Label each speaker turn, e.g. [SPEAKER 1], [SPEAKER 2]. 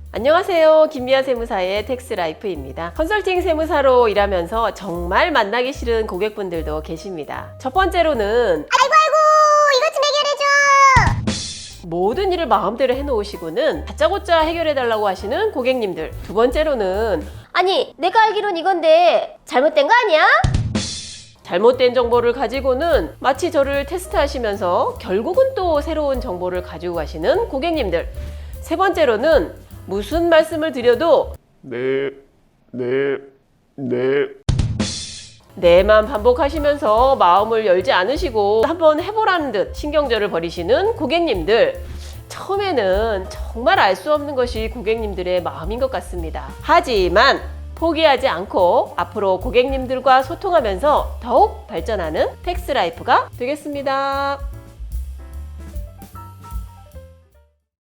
[SPEAKER 1] 안녕하세요. 김미아 세무사의 텍스라이프입니다. 컨설팅 세무사로 일하면서 정말 만나기 싫은 고객분들도 계십니다. 첫 번째로는
[SPEAKER 2] 이것 좀 해결해줘.
[SPEAKER 1] 모든 일을 마음대로 해놓으시고는 다짜고짜 해결해달라고 하시는 고객님들. 두 번째로는
[SPEAKER 2] 아니, 내가 알기론 이건데 잘못된 거 아니야?
[SPEAKER 1] 잘못된 정보를 가지고는 마치 저를 테스트하시면서 결국은 또 새로운 정보를 가지고 가시는 고객님들. 세 번째로는 무슨 말씀을 드려도 네만 반복하시면서 마음을 열지 않으시고 한번 해보라는 듯 신경절을 벌이시는 고객님들. 처음에는 정말 알 수 없는 것이 고객님들의 마음인 것 같습니다. 하지만 포기하지 않고 앞으로 고객님들과 소통하면서 더욱 발전하는 텍스라이프가 되겠습니다.